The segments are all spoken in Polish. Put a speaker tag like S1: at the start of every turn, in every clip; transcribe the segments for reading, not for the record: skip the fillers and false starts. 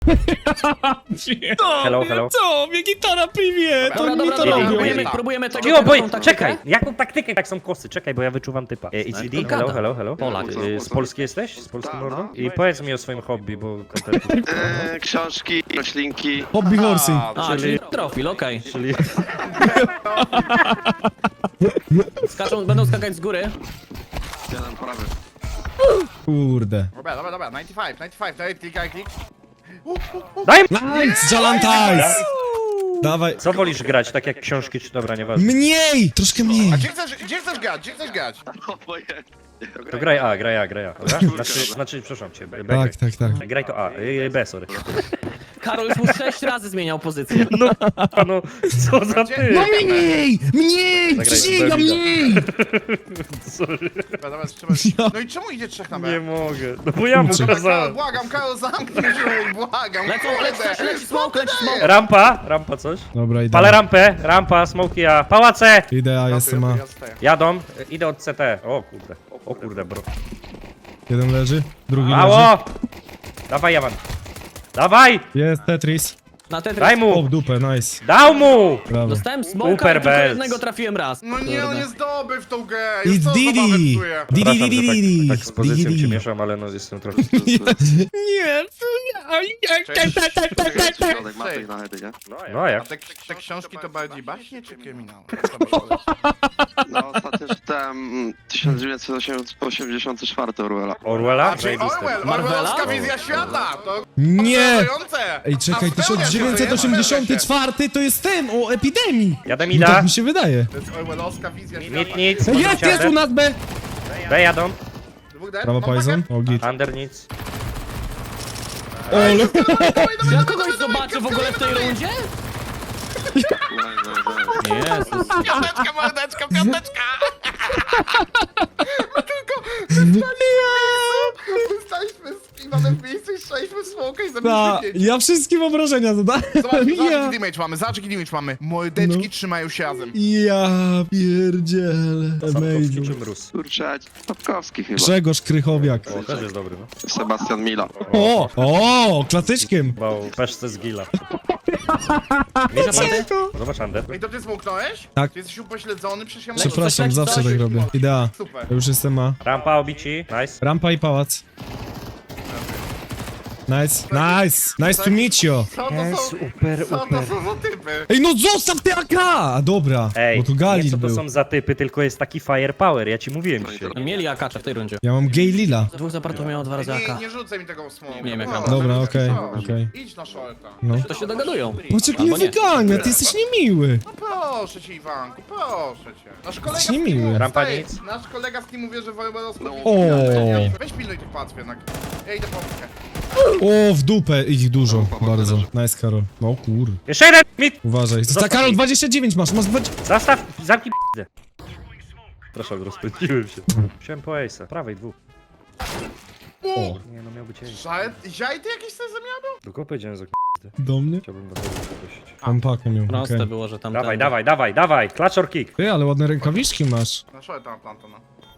S1: Hello, hello.
S2: Co? Mnie gitara privie, to
S3: Dobra,
S2: mi to
S3: dobra,
S2: robią.
S3: próbujemy tego.
S1: Cicho,
S3: taką
S1: boj,
S3: taktykę.
S1: czekaj! Jaką taktykę? Tak są kosy, czekaj, bo ja wyczuwam typa. ECD, hello, hello, hello.
S3: Polak.
S1: Z Polski jesteś? Z Polski
S4: Tak,
S1: mordą?
S4: no.
S1: I powiedz mi o swoim hobby, bo...
S4: Książki, roślinki.
S2: Hobby horsing.
S3: A, czyli profil, okej.
S1: Czyli...
S3: Będą skakać z góry.
S4: Jeden prawy.
S2: Kurde.
S5: Dobra, 95, daj klik.
S1: Daj!
S2: Nice, Jalantajs! Dawaj.
S1: Co wolisz grać, tak jak książki, czy dobra, nieważne.
S2: Mniej! Troszkę mniej.
S5: A gdzie chcesz grać?
S4: Obojętnie.
S1: To graj A, dobra? Znaczy, przepraszam cię, B.
S2: Tak.
S1: Graj to A, B, sorry.
S3: Karol już mu 6 razy zmieniał pozycję.
S1: No, co za ty?
S2: No mniej! Mniej!
S1: Zagraj
S2: Przysięgam,
S1: Bebida.
S2: mniej!
S1: Sorry,
S5: Dobra, trzeba... No i czemu idzie trzech na B?
S1: nie mogę. No bo ja mu
S5: Dobra,
S1: kazałem.
S5: Karol, zamknij się, błagam.
S3: Leci smoke.
S1: Rampa coś.
S2: Dobra, idę.
S1: Palę rampa, smoki A. Pałace!
S2: Idę, a jestem A.
S1: Jadą, idę od CT. O kurde, bro.
S2: Jeden leży, drugi leży.
S1: Mało! Dawaj, Jawan. Dawaj!
S2: Jest Tetris.
S3: Na Tetris.
S1: Daj
S2: O,
S1: mu!
S2: w dupę, nice.
S1: Dał mu!
S2: Brawo.
S3: Dostałem smoka,
S1: Super
S3: ale tylko
S1: bells.
S3: jednego trafiłem raz.
S5: No nie, on nie zdobył w tą grę.
S2: It's
S5: Już to zabawę
S2: Didi!
S5: psuje.
S1: Przepraszam, że
S2: Didi!
S1: tak z pozycją
S2: Didi.
S1: cię mieszam, ale no jestem trochę...
S2: Nie,
S4: Środek mapy na hedy, nie?
S1: No a
S5: A
S1: jak?
S5: te książki to bardziej baśnie czy kryminały?
S4: No ostatnio czytałem 1984 Orwella.
S1: Orwella?
S5: Czyli Orwell,
S3: Marvela?
S5: Orwellowska wizja świata! To
S2: Nie!
S5: przerażające!
S2: Ej, czekaj,
S5: A spełnia się,
S2: 1984 to jest ten, o epidemii!
S1: Jadę
S2: No
S1: mida.
S2: tak mi się wydaje.
S5: To jest Orwellowska wizja świata.
S1: Nic.
S2: Jest u nas B!
S1: B jadą.
S5: Dwóch dead?
S2: Brawo,
S5: No,
S2: Poison. O, git.
S1: Under nic.
S2: Ole.
S3: Czy ja kogoś zobaczę w ogóle w tej rundzie? Jezus.
S5: Piąteczka, mordeczka, piąteczka! Wystaliśmy z Iwanem w miejscu i strzeliśmy w smoka i
S2: Ta,
S5: zabiliśmy pięć.
S2: ja wszystkim obrażenia zadałem.
S5: Zobacz
S2: Ja,
S5: jaki damage mamy, Mordeczki
S2: No.
S5: trzymają się razem.
S2: ja pierdzielę.
S1: Sapkowski
S2: Amazing.
S1: czy Mróz?
S4: Kurczę, Stopkowski chyba.
S2: Grzegorz Krychowiak.
S1: O, też jest dobry, no.
S4: Sebastian Mila.
S2: O, klasyczkiem.
S1: Bał peszce z gila. Wiesz, Zobacz Under.
S5: Ej, to ty smoknąłeś?
S2: Tak.
S5: Ty jesteś upośledzony? Przecież ja
S2: Przepraszam,
S3: coś,
S2: zawsze
S3: coś.
S2: tak robię. Idea.
S5: Super.
S2: Ja już jestem A.
S1: Rampa obici. Nice.
S2: Rampa i pałac. Nice. Nice to meet you.
S5: Co to są?
S1: Super,
S5: Co to są za typy?
S2: Ej, no zostaw te AK! Dobra,
S1: Ej,
S2: bo tu
S1: nie
S2: Galil
S1: co to
S2: był.
S1: są za typy, tylko jest taki firepower, ja ci mówiłem dzisiaj.
S3: Mieli akacza w tej rundzie.
S2: Ja mam gay Lila.
S3: Dwóch zapartów miało 2 razy AK.
S5: Nie rzucaj mi tego smoka.
S3: Nie wiem, jak
S5: No,
S3: mam.
S2: Dobra,
S5: no,
S2: okej,
S5: no.
S2: okej.
S5: Idź na shorta.
S2: No.
S3: To się dogadują.
S2: Poczekaj, mnie
S3: Albo nie.
S2: wygania, ty jesteś niemiły.
S5: No proszę cię, Iwanku, proszę cię. Nasz kolega
S2: Jesteś niemiły.
S1: Rampa
S5: Stary,
S1: nic.
S5: Nasz kolega z teamu wie, że Wojewodowski...
S2: O.
S5: Weź pilnuj tych płatw jednak. Ja idę po mnie.
S2: O, w dupę ich dużo, bardzo. Nice, Karol. No kur.
S1: Jeszcze jeden! Mit!
S2: Uważaj.
S1: Zostaw
S2: Karol,
S1: mi.
S2: 29 masz 20.
S1: Zastaw, zamknij p***ę. Proszę, rozpędziłem się. Wziąłem po ace'a, prawej dwóch.
S2: O,
S1: Nie no, miał być ace.
S5: Żaj ty jakieś sobie zamianą?
S1: Do kogo powiedziałem za
S2: do mnie?
S1: Chciałbym was prosić.
S2: Mam pakę miał,
S3: Proste
S2: okej.
S3: było, że tam
S1: Dawaj, clutch or kick.
S2: Ty, ale ładne rękawiczki masz.
S5: Na shorta plantona.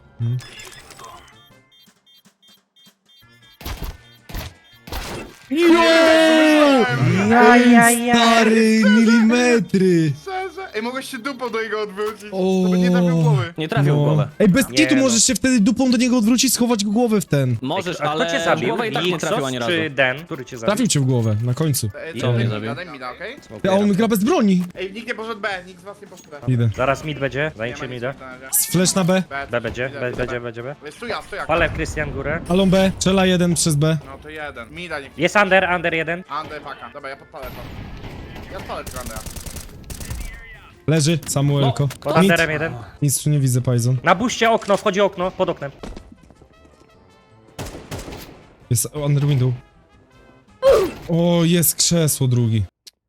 S2: Stary, milimetry.
S5: Szczerze? Ej, mogłeś się dupą do niego odwrócić.
S2: O.
S5: To by nie trafił głowy.
S3: Nie trafił w głowę.
S2: Ej, bez
S1: Nie,
S2: kitu
S1: no.
S2: możesz się wtedy dupą do niego odwrócić, schować głowę w ten.
S3: Możesz,
S1: A kto
S3: ale
S1: cię
S3: w
S1: zabił?
S3: głowę i tak nie
S1: Lixos
S3: trafił ani razu.
S1: czy Den? Który cię zabił?
S2: Trafił cię w głowę, na końcu.
S5: Ej,
S3: Co mnie
S5: mi
S3: zabił?
S5: da, daj mi da, okej?
S2: Ty, a on gra bez broni.
S5: Ej, nikt nie poszedł B, nikt z was nie poszedł B.
S2: Idę.
S1: Zaraz mid będzie,
S5: Nie
S1: zajęcie
S5: ma
S1: mida.
S5: nic na razie.
S2: Flash na B.
S1: B będzie, będzie B.
S5: Jest tu ja.
S1: Palę Krystian górę.
S2: Alon B, czela 1 przez B.
S5: No to jeden. Mida nie...
S1: Jest under jeden.
S5: Under paka. Dobra, ja podpalę to. Ja spalę tego Andera.
S2: Leży, Samuelko.
S1: Pod
S2: Nic,
S1: underem jeden.
S2: nic tu nie widzę, Pajzon.
S1: Na buście okno, wchodzi okno, pod oknem.
S2: Jest under window. O, jest krzesło drugi.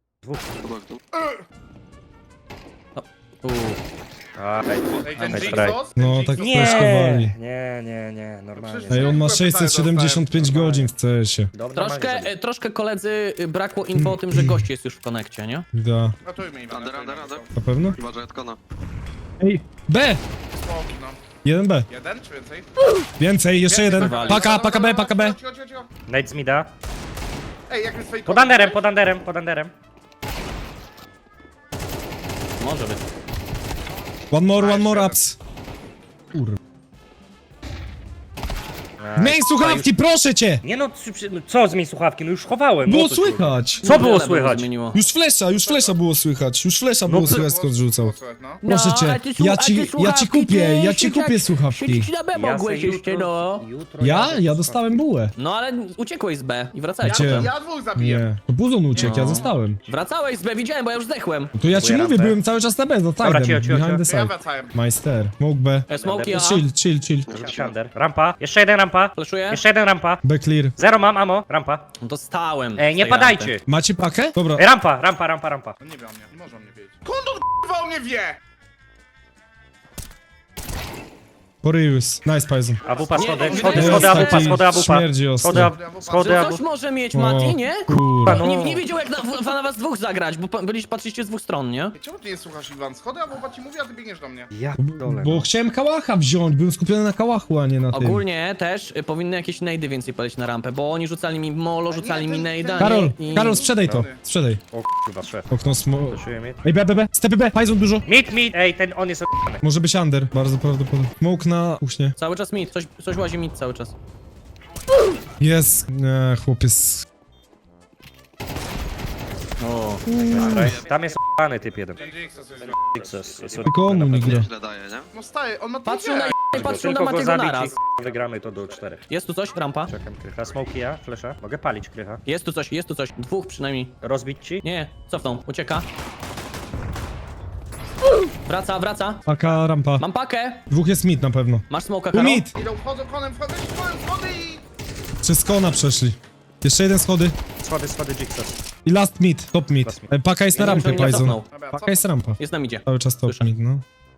S5: Ej, ten
S1: Nice
S5: Jigsaw?
S2: No, tak
S1: Nie,
S2: flashkowali.
S1: nie, normalnie.
S2: Ej, on ma
S5: Przecież
S2: 675 godzin w CS-ie.
S1: Dobra,
S3: Troszkę koledzy brakło info o tym, że gość jest już w konekcie, nie?
S2: Da.
S5: Ratujmy Iwan.
S4: Under.
S2: Na pewno?
S4: Chyba, że Edkona.
S2: Ej, B!
S5: Smoki, no.
S2: 1B.
S5: Jeden czy więcej?
S2: Więcej, jeszcze jeden.
S3: wywali.
S2: Paka B, paka B.
S5: Cicho.
S1: Nate z mida.
S5: Ej, jak jest fake.
S1: Pod underem, pod underem, pod underem.
S3: Może być.
S2: One more ups. Kurwa. Miej słuchawki, proszę cię!
S1: Nie no, co zmień słuchawki? No już chowałem.
S2: Było
S1: o co ci chodzi?
S2: słychać!
S1: Co było
S3: Wiele
S1: słychać?
S3: zmieniło.
S2: Już flesza było słychać, już flesza było słychać, skąd rzucał.
S5: No.
S2: Proszę
S3: No,
S2: cię,
S3: a ty
S2: ja ci kupię,
S3: słuchawki
S2: słuchawki.
S3: Siedzieć na B mogłeś
S1: se
S3: jeszcze, no.
S1: jutro
S2: Ja?
S1: jadę
S2: Ja
S1: z
S2: dostałem bułę.
S3: No ale uciekłeś z B i wracałeś
S2: Gdzie?
S3: potem.
S5: Ja dwóch zabiję.
S2: Nie, to Buzon uciekł, ja
S3: No.
S2: zostałem.
S3: Wracałeś z B, widziałem, bo ja już zdechłem.
S2: No to ja ci
S1: Dziękuję,
S2: mówię,
S1: rampę.
S2: byłem cały czas na B, no
S1: Dobra,
S2: tidem,
S1: cio, cio,
S2: behind the
S5: To ja
S2: side.
S5: wracałem.
S2: Majster, smoke B.
S3: Smoki A.
S2: Chill.
S1: Może być under. Rampa, jeszcze jeden rampa.
S3: Flashuję?
S1: Jeszcze jeden rampa.
S2: B clear.
S1: Zero mam, ammo. Rampa.
S3: Dostałem.
S1: Ej,
S3: z
S1: nie
S3: tej
S1: padajcie.
S3: rampy.
S2: Macie pakę? Dobra.
S1: Ej, rampa.
S5: On nie wie o mnie, nie może o mnie wiedzieć. Skąd on k***wa o mnie wie?
S2: Poryjus. Nice, Paizen.
S1: AWP, schody,
S3: Nie,
S1: schody,
S3: jest
S1: schody, AWP,
S2: taki
S1: schody, AWP.
S2: śmierdzi ostro.
S1: Schody,
S3: Że
S1: AWP.
S3: coś może mieć
S2: O,
S3: Mati, nie?
S2: Kurwa.
S1: No.
S3: Nie wiedział jak na was dwóch zagrać, bo patrzyliście z dwóch stron, nie?
S5: Ej, czemu ty nie słuchasz Iwan? Schody, a bo ci mówi, a ty biegniesz do mnie.
S1: Ja dole.
S2: Bo chciałem kałacha wziąć, byłem skupiony na kałachu, a nie na tym.
S3: Ogólnie też powinny jakieś nejdy więcej polecieć na rampę, bo oni rzucali mi molo, rzucali mi nejda,
S2: Karol,
S3: nie? I...
S2: Karol, sprzedaj to.
S5: Dobra.
S2: Sprzedaj.
S1: O kurwa, szef.
S2: Okno smo...
S1: Czuję mnie.
S2: Ej, B. Stepy B, Paizen dużo.
S1: Mid, ej, ten on jest o***ny.
S2: Może być under, bardzo prawdopodobnie. Smoke na kuchnię.
S3: Cały czas mid, coś łazi mid cały czas.
S2: Jest. Nie, chłopiec.
S3: O.
S1: Tam jest o***ny typ jeden.
S5: Ten Jigsaw jest...
S1: Jest
S2: Tylko on nie gra.
S4: Źle daje, nie?
S5: No staje, on ma
S3: Patrzył na patrzył na
S1: Tylko go
S3: Matiego
S1: zabić
S3: naraz.
S1: i wygramy to do 4.
S3: Jest tu coś? Rampa?
S1: Czekam krycha. Smoki ja, flesza. Mogę palić krycha.
S3: Jest tu coś. Dwóch przynajmniej.
S1: Rozbić ci?
S3: Nie, cofnął, ucieka. Wraca.
S2: Paka, rampa.
S3: Mam pakę.
S2: Dwóch jest mid na pewno.
S3: Masz smoka,
S2: Tu
S3: Karol?
S2: mid!
S5: Idą, wchodzą konem, schody i...
S2: Przez kona przeszli. Jeszcze jeden schody.
S1: Schody Jigsaw.
S2: I last mid, top mid.
S1: Last mid.
S2: Paka jest na
S3: Ja nie wiem,
S2: rampie,
S3: czy on nie
S2: Paizen.
S3: cofnął.
S5: Dobra,
S2: Paka
S5: co?
S2: jest rampa.
S3: Jest na midzie.
S2: Cały czas top
S3: Słyszę.
S2: mid, no.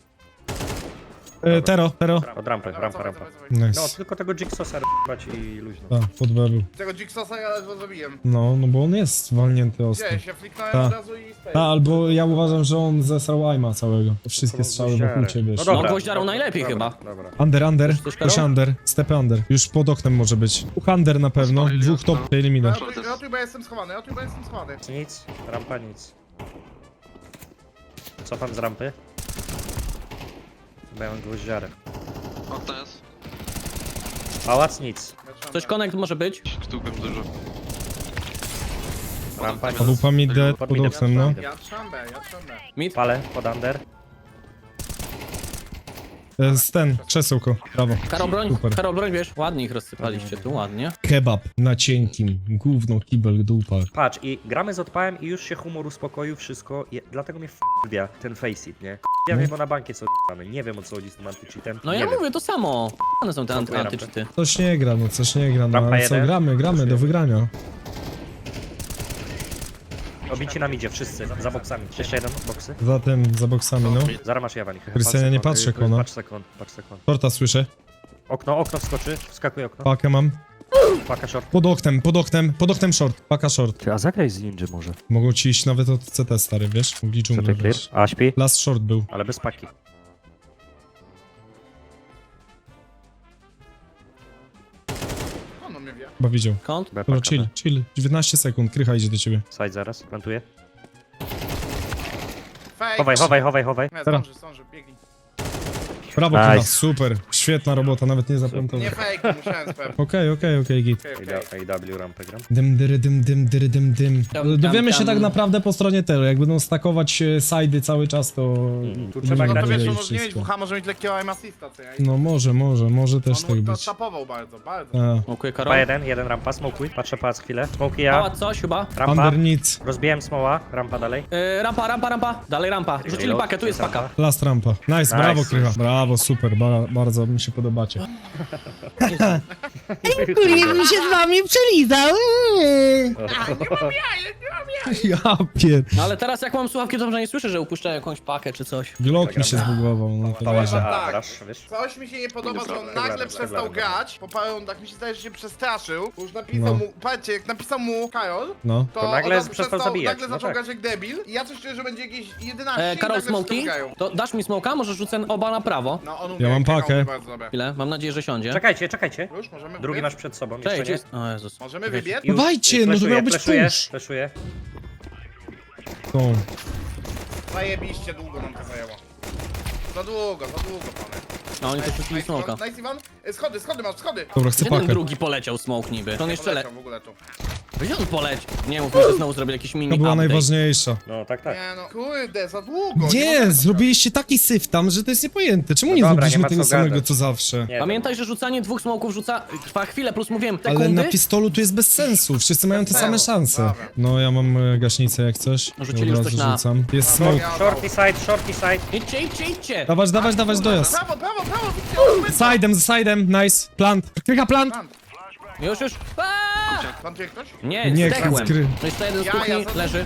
S2: Tero.
S1: Od rampy, rampa.
S2: Nice.
S1: No, tylko tego Jigsawsa r***ać i luźno.
S2: Tak, pod B był.
S5: Tego Jigsawsa ja ledwo zabiłem.
S2: No bo on jest walnięty ostro.
S5: Gdzie? Się fliknąłem
S2: Ta.
S5: od razu i stay.
S2: Albo ja uważam, że on zesrał aima całego. Wszystkie
S1: Są
S2: strzały
S1: gwoździary.
S2: wokół ciebie.
S1: No
S3: No,
S1: dobra.
S3: gwoździarą najlepiej
S1: Dobra,
S3: chyba.
S1: Dobra.
S2: Under.
S3: Coś,
S2: Też
S3: Karol?
S2: under. Stepy under. Już pod oknem może być. Under na pewno.
S4: Spalili
S2: Dwóch
S4: okno.
S2: top elimina.
S5: Ratuj, bo ja jestem schowany,
S1: Nic, rampa nic. Cofam z rampy. Mają gwoździarę.
S4: Okno jest.
S1: Pałac nic.
S3: Coś connect może być?
S4: Sztukiem dużo.
S1: Rampa nic.
S2: Obupa mid dead
S1: Pod
S2: pod
S1: midem.
S2: oknem, no.
S5: Ja trzam B.
S3: Mid?
S1: Palę pod under.
S2: Ten, krzesełko. Brawo. Super.
S3: Karol broń, wiesz? Ładnie ich rozsypaliście tu, ładnie.
S2: Kebab na cienkim. Gówno, kibel, dupa.
S1: Patrz, i gramy z odpałem i już się humor uspokoił, wszystko. Dlatego mnie f***wia ten faceit, nie? Ja wiem, bo na bankie co mamy. Nie wiem, o co chodzi z tym antycheatem.
S3: No
S1: nie
S3: ja
S1: wiem.
S3: mówię to samo. One są te
S1: Dziękuję,
S3: antyczyty.
S2: Coś nie gra, no
S1: Rampa
S2: ale co,
S1: jeden.
S2: gramy do wygrania.
S1: Obici nam idzie, wszyscy, za boksami. Jeszcze jeden, boksy.
S2: Zatem za boksami, no.
S1: Zaraz masz Jawanik.
S2: Krystian, nie patrzę, kona.
S1: Patrz sekund.
S2: Shorta słyszę.
S1: Okno wskoczy, wskakuje okno.
S2: Pakę mam.
S1: Paka short.
S2: Pod oknem short. Paka short.
S1: Ty, a zagraj z Ninja może.
S2: Mogą ci iść nawet od CT, stary, wiesz? Mogli
S1: Co
S2: dżunglę,
S1: ty clear?
S2: wiesz?
S1: A, śpi?
S2: Last short był.
S1: Ale bez paki.
S5: On mnie wie.
S2: Chyba widział.
S3: Kąt?
S1: B,
S2: Dobra,
S1: paka,
S2: chill,
S1: B.
S2: chill. 19 sekund, krycha idzie do ciebie.
S1: Side zaraz, plantuję.
S5: Fake.
S1: Chowaj.
S5: Nie,
S2: Teraz.
S5: zdąży, biegnij.
S2: Brawo,
S1: Nice.
S2: chyba, super. Świetna robota, nawet nie zaplantował.
S5: Nie fake, musiałem sprawdzić.
S2: Okej, git.
S1: AW rampę gram.
S2: Dym.
S3: Tam,
S2: Dowiemy się
S3: tam.
S2: tak naprawdę po stronie Tero. Jak będą stakować side'y cały czas, to...
S1: Tu trzeba
S5: No
S1: grać
S5: to wiesz,
S2: będzie
S5: on może nie mieć
S2: wszystko.
S5: WH, może mieć lekkiego aim assista, co ja?
S2: No może też tak
S5: On
S2: być.
S5: tapował bardzo.
S2: A.
S3: Smokuję Karol.
S1: jeden rampa, smokuj. Patrzę pałac chwilę. Smoki ja.
S3: Pałac coś chyba.
S1: Rampa.
S2: Under nic.
S1: Rozbiłem smoła, rampa dalej.
S3: Rampa. Dalej rampa. Rzucili
S1: Reload,
S3: pakę, tu jest
S1: rampa.
S3: paka.
S2: Last rampa. Nice, brawo Krycha. Brawo, super, bardzo mi się podobacie.
S6: Kurwa bym się z wami przelizał.
S2: Ja pier...
S3: No ale teraz jak mam słuchawki, to może nie słyszę, że upuszczają jakąś pakę czy coś.
S2: Glock mi się zbugował, no to
S1: Pałac,
S2: wiesz.
S1: a,
S5: Tak.
S1: rush, wiesz?
S5: Coś mi się nie podoba, że on
S4: Dobra,
S5: nagle przestał
S1: dobra.
S5: grać. Po paru rundach mi się zdaje, że się przestraszył. Bo już napisał mu, patrzcie, jak napisał mu Karol,
S2: No.
S1: To nagle
S5: on
S1: przestał zabijać,
S5: Nagle
S1: no
S5: zaczął
S1: tak.
S5: grać jak debil. I ja coś czuję, że będzie jakieś 11 i
S3: Karol,
S5: nagle
S3: smoki?
S5: wszyscy grają.
S3: To dasz mi smoka? Może rzucę oba na prawo. Brawo.
S5: No on
S2: Ja mam pakę.
S5: Bardzo dobre.
S3: Chwilę, mam nadzieję, że siądzie.
S1: Czekajcie, czekajcie.
S5: Już możemy
S1: Drugi
S5: wybiec?
S1: masz przed sobą,
S3: Cześć,
S1: jeszcze nie?
S3: jest... O Jezus.
S5: Możemy wybiec?
S1: Już.
S2: Dawajcie, no to
S1: Fleszuję,
S2: miał być
S1: fleszuję,
S2: push.
S1: fleszuję.
S2: Tą.
S5: Zajebiście długo nam to zajęło. Za długo, panie.
S3: No oni też puścili smoka.
S5: Nice Iwan. Schody masz, schody.
S2: Dobra, chcę
S3: Gdzie ten
S2: pakę.
S3: drugi poleciał smoke niby? To on jeszcze
S5: Poleciał w ogóle tu.
S3: Gdzie on poleciał? Nie mów, że znowu zrobił jakiś mini
S2: To była
S3: update.
S2: najważniejsza.
S1: No tak, tak.
S5: Nie no, kurde, za długo.
S2: Nie, zrobiliście taki syf tam, że to jest niepojęte. Czemu nie
S1: dobra,
S2: zrobiliśmy
S1: nie ma
S2: tego
S1: co
S2: samego
S1: gadać.
S2: co zawsze?
S1: Nie,
S3: Pamiętaj, że rzucanie dwóch smoków trwa chwilę, plus mówiłem
S2: Ale
S3: sekundy.
S2: na pistolu tu jest bez sensu, wszyscy mają te
S5: Bez
S2: same
S5: sensu,
S2: szanse.
S5: dobra.
S2: No ja mam gaśnicę jak coś.
S3: No, rzucili już
S2: Od
S3: coś
S2: razu
S3: na-
S2: rzucam. Jest smoke.
S1: Shorty side, shorty side.
S3: Idźcie!
S2: Dawać dojazd.
S5: Prawo.
S2: Sidem, nice. Plant. Krycha plant.
S3: Już. Aaaa!
S5: Plantuje ktoś?
S3: Nie,
S2: Nie,
S3: zdechłem.
S2: skry.
S3: To jest jeden z kuchni, leży.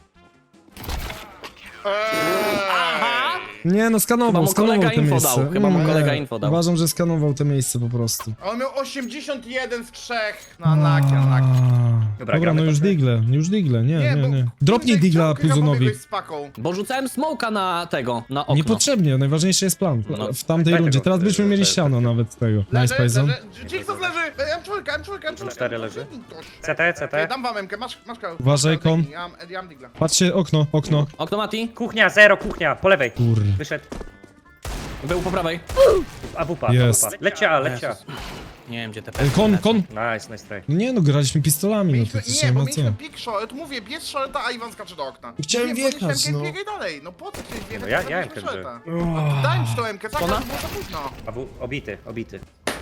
S5: Aha!
S2: Nie no,
S3: Chyba mu
S2: skanował
S3: kolega
S2: te
S3: info
S2: miejsce.
S3: dał, chyba mu
S2: Nie,
S3: kolega info dał.
S2: Uważam, że skanował te miejsce po prostu.
S5: A on miał 81 z 3. No, unlucky.
S1: Dobra,
S2: Dobra,
S1: gramy
S2: no
S1: to,
S2: już digle, nie.
S5: bo-
S2: Dropnij
S5: kurde,
S2: digla
S5: chciał
S2: Puzonowi.
S5: pobiegłeś z paką.
S3: Bo rzucałem smoka na okno.
S2: Niepotrzebnie, najważniejszy jest plan.
S3: No.
S2: W tamtej
S1: Daj
S2: rundzie.
S1: tego,
S2: Teraz byśmy mieli
S1: leży.
S2: ściano nawet tego. Nice Payson.
S5: Jigsaw leży! M4.
S1: 4 leży. CT.
S5: Dam wam MK, masz koło.
S2: Uważaj, kon.
S5: Ja mam digla.
S2: Patrzcie, okno.
S3: Okno Mati,
S1: Kuchnia, zero, kuchnia, po lewej.
S2: Kur...
S1: Wyszedł.
S3: był po prawej.
S1: AWP,
S2: Jest.
S1: AWP. Lecia A.
S3: Nie wiem gdzie te
S2: Kon.
S1: Nice try.
S2: No nie no, graliśmy pistolami, no to
S5: Mieliśmy,
S2: coś
S5: nie,
S2: nie
S5: bo
S2: ma co.
S5: mieliśmy pick shot, mówię, bierz shorta, a Iwan skacze do okna.
S2: Chciałem
S5: Mówię,
S2: wjechać,
S5: podnieś MK,
S2: no.
S5: biegaj dalej, no po co chciałeś wjechać?
S1: No ja
S5: Zrobiliśmy
S1: MK
S5: shorta. Daj mi to MK, tak,
S3: Ona?
S5: to było za późno.
S1: AW, obity.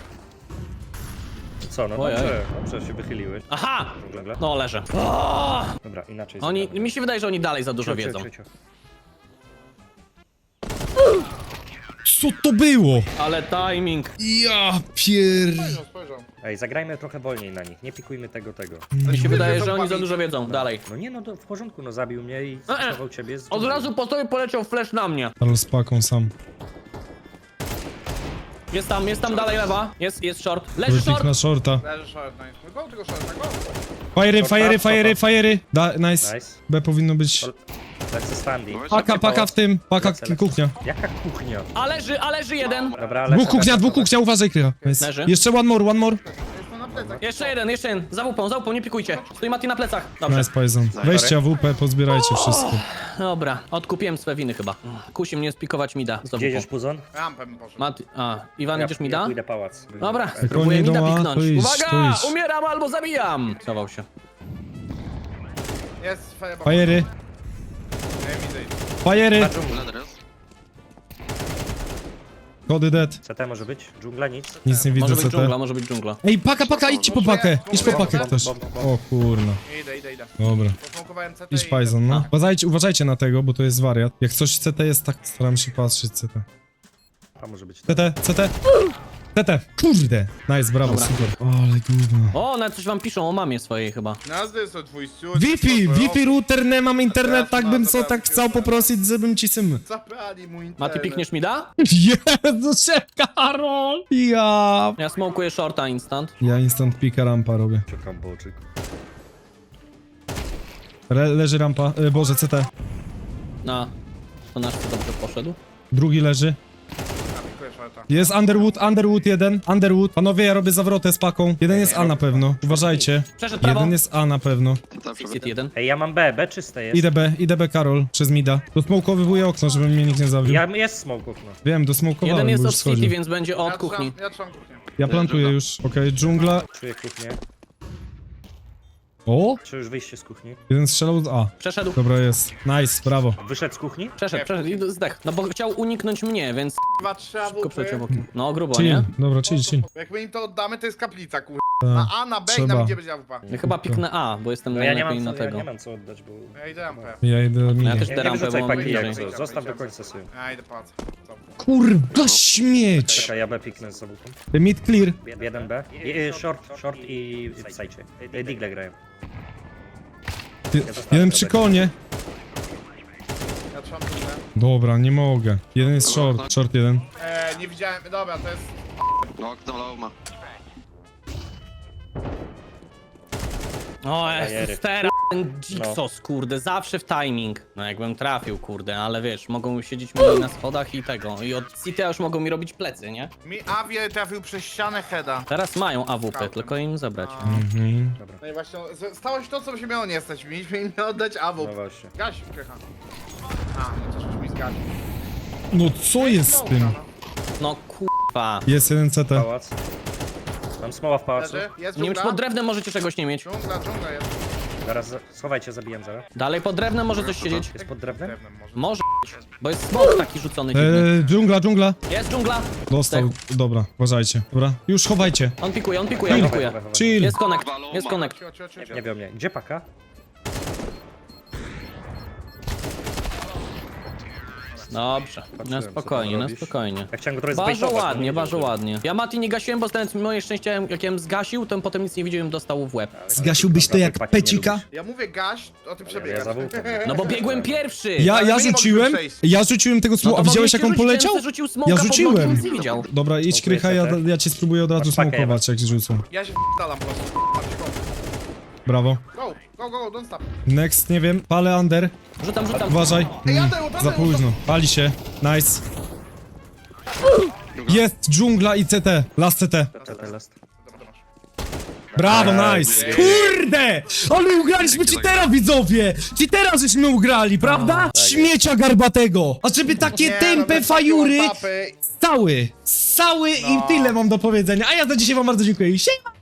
S1: Co, no
S3: Ojej.
S1: dobrze się wychyliłeś.
S3: Aha!
S1: Dżungla.
S3: No leżę.
S1: Dobra, inaczej.
S3: Oni,
S1: zagramy.
S3: mi się wydaje, że oni dalej za dużo
S1: Ciu, ciu,
S3: wiedzą.
S1: ciu, ciu.
S2: Co to było?
S3: Ale timing.
S2: Ja pier...
S5: Spojrzał.
S1: Ej, zagrajmy trochę wolniej na nich, nie pikujmy tego.
S3: Mi się wydaje,
S5: wiedzą,
S3: że oni za
S5: bawi.
S3: dużo wiedzą. Dalej.
S1: No nie, no to w porządku, no zabił mnie i zastosował ciebie. z
S3: Od
S1: dżungli.
S3: razu po tobie poleciał flash na mnie.
S2: Ale z paką sam.
S3: Jest tam dalej lewa. Jest short. Leży
S2: Wypik
S3: short!
S2: na shorta.
S5: Leży short, nice. No go tego shorta, go.
S2: Fajery. Nice.
S1: Nice.
S2: B powinno być...
S1: Lecę standing.
S2: Paka w tym. Paka
S1: Lecę.
S2: kuchnia.
S1: Jaka kuchnia?
S3: A leży jeden.
S1: Dobra, lecę.
S2: Dwóch kuchnia, uważaj krycha. Nice.
S3: Leży.
S2: Jeszcze one more.
S5: Jest to na plecach.
S3: Jeszcze jeden. Za łupą, nie pikujcie. Stoi Mati na plecach. Dobrze.
S2: Nice Payson. Weźcie AWP, pozbierajcie wszystko.
S3: Dobra, odkupiłem swe winy chyba. Kusi mnie spikować mida.
S1: Gdzie jedziesz, Puzon?
S5: Rampę bym poszedł.
S3: Mati, Iwan, idziesz
S1: Ja
S3: mida?
S1: pójdę pałac.
S3: Dobra,
S2: Jak
S3: próbuję
S2: oni
S3: mida
S2: idą A,
S3: piknąć.
S2: to idź, to
S3: Uwaga!
S2: idź.
S3: Umieram albo zabijam! Schował się.
S5: Jest fireball.
S2: Fajery.
S5: Nie widzę.
S2: Fajery.
S4: Leder jest.
S2: Kody dead.
S1: CT może być? Dżungla nic?
S2: Nic nie widzę
S3: Może być
S2: CT.
S3: dżungla, może być dżungla.
S2: Ej, paka, idźcie po pakę. Idź po pakę ktoś. O kurna.
S5: Idę.
S2: Dobra.
S5: Posmokowałem CT
S2: Idź
S5: i-
S2: Payson, no. Uważajcie na tego, bo to jest wariat. Jak coś CT jest tak, staram się patrzeć CT.
S1: A może być.
S2: CT. Kurde. Nice, brawo,
S3: Dobra.
S2: super. Ale gówno.
S3: O, nawet coś wam piszą o mamie swojej chyba.
S5: Nazwy są twój siód.
S2: Wi-Fi router, nie mam internet, tak bym co
S5: Dobra,
S2: tak chciał poprosić, żebym ci sym.
S5: Zabrali mój internet.
S3: Mati, pikniesz mida?
S2: Jezu, Karol! Ja
S3: Ja smokuję shorta instant.
S2: instant pika rampa robię.
S1: Czekam boczyk.
S2: Leży rampa, boże, CT.
S3: To nasz co dobrze poszedł.
S2: Drugi leży.
S5: Pikuję shorta.
S2: Jest Underwood jeden. Underwood. Panowie, ja robię zawrotę z paką. Jeden jest A na pewno. Uważajcie.
S3: Przeszedł prawo.
S2: Jeden jest A na pewno.
S3: Exit jeden.
S1: Ej, ja mam B czyste jest.
S2: Idę B, Karol, przez mida. Dosmokowywuję okno, żeby mnie nikt nie zabił.
S1: Jest smoke okno.
S2: Wiem, dosmokowałem,
S3: Jeden jest
S2: bo
S3: od
S2: już
S3: city,
S2: schodził.
S3: więc będzie od kuchni.
S5: Ja trzymam kuchnię.
S2: Ja plantuję już. Okej, dżungla.
S1: Czuję kuchnię.
S2: O!
S1: Czy już wyjście z kuchni?
S2: Jeden strzelał z A.
S3: Przeszedł.
S2: Dobra, jest. Nice, brawo.
S1: Wyszedł z kuchni?
S3: Przeszedł i zdech. No bo chciał uniknąć mnie, więc
S5: 2-3
S3: szybko przeciął
S5: AWP.
S3: bokiem. No grubo,
S2: Chill,
S3: nie?
S2: dobra, chill.
S5: Jak my im to oddamy, to jest kaplica, kur...
S2: Tak,
S5: Na A, na B i
S2: trzeba.
S5: na gdzie będzie AWP.
S3: Ja chyba piknę A, bo jestem
S1: No ja nie
S3: najlepiej
S1: mam
S3: na
S1: co, ja
S3: tego.
S1: nie mam co oddać, bo...
S5: Ja idę rampę.
S2: Ja idę
S3: Ja
S2: minię.
S3: też
S1: Nie
S3: te rampę,
S1: wyrzucaj
S3: bo mam
S1: paki jak
S3: bliżej.
S1: co, zostaw do końca sobie.
S5: Ja idę pałac.
S2: Kurwa, śmieć!
S1: Czekaj, ja B piknę z zabójką.
S2: Mid clear.
S1: 1B. Short i w sajcie. Digle grają.
S2: Jeden przy konie.
S5: Ja trzymam kuchnię.
S2: Dobra, nie mogę. Jeden jest short jeden.
S5: Nie widziałem, dobra, to jest...
S4: No, okno low ma.
S3: O,
S1: Bajery.
S3: jest teraz. ten Jigsaw, kurde, zawsze w timing. No jakbym trafił, kurde, ale wiesz, mogą siedzieć mi na schodach i tego. I od CT już mogą mi robić plecy, nie?
S5: Mi Avie trafił przez ścianę heada.
S3: Teraz mają AWP, tylko im zabrać.
S2: Mhm.
S5: No i właśnie stało się to, co się miało nie stać. Mieliśmy im oddać AWP.
S1: No właśnie.
S5: Gaś, krycha. A, no coś już mi zgasił.
S2: No co jest z tym?
S3: No kurwa.
S2: Jest jeden CT.
S1: Pałac. Mam smoła w pałacu.
S5: Leży, jest
S3: Nie wiem, czy
S5: dżungla.
S3: pod drewnem możecie czegoś nie mieć.
S5: Dżungla jest.
S1: Zaraz, schowajcie, zabiję zaraz.
S3: Dalej pod drewnem może coś siedzieć.
S1: Jest pod drewnem?
S5: Drewnem może.
S3: Może, bo jest smok taki rzucony dziwny.
S2: Dżungla.
S3: Jest dżungla.
S2: Dostał. Dobra, uważajcie. Dobra, już chowajcie.
S3: On pikuje, on pikuje.
S2: Chill.
S3: Jest connect, jest connect.
S5: Cio.
S1: Nie wiem, nie. Gdzie paka?
S3: Dobrze, na
S1: Patrzyłem, co
S3: spokojnie,
S1: tam
S3: na
S1: robisz.
S3: spokojnie.
S1: Ja chciałem go trochę
S3: Bardzo
S1: zbejtować,
S3: ładnie,
S1: no nie
S3: bardzo
S1: wiem,
S3: ładnie. Ja Mati nie gasiłem, bo stając moje szczęście, jak jem zgasił, to potem nic nie widziałem, dostał w łeb.
S2: Zgasiłbyś to jak
S1: Paki nie
S2: pecika?
S1: lubisz.
S5: Ja mówię gaś, o tym
S1: Ja
S5: przebiegasz.
S1: za włókiem.
S3: No bo biegłem pierwszy!
S2: Ja
S5: Ale my nie
S2: rzuciłem,
S5: mogliśmy przejść.
S2: ja rzuciłem tego
S3: No
S2: smoka.
S3: to
S2: A widziałeś jak on
S3: mogliście rzucić,
S2: poleciał?
S3: ten rzucił smoka
S2: Ja
S3: pod nogi,
S2: rzuciłem.
S3: nic nie widział.
S2: Dobra, idź krycha, ja cię spróbuję od razu
S1: Masz pakę,
S2: smokować jak rzucą.
S5: Ja się dalam po prostu.
S2: Brawo.
S5: Go, don't stop.
S2: Next, nie wiem, palę under.
S3: Rzucam.
S2: Uważaj.
S5: Ej,
S2: Mm,
S5: jadę,
S2: za późno. Pali się. Nice. Jest dżungla i CT. Last CT.
S1: CT last.
S2: Brawo, nice. Kurde! Ale ugraliśmy cheatera, widzowie! Cheatera żeśmy ugrali, prawda? Śmiecia garbatego. A żeby takie tępe fajury... Cały i tyle mam do powiedzenia. A ja za dzisiaj wam bardzo dziękuję. Siema!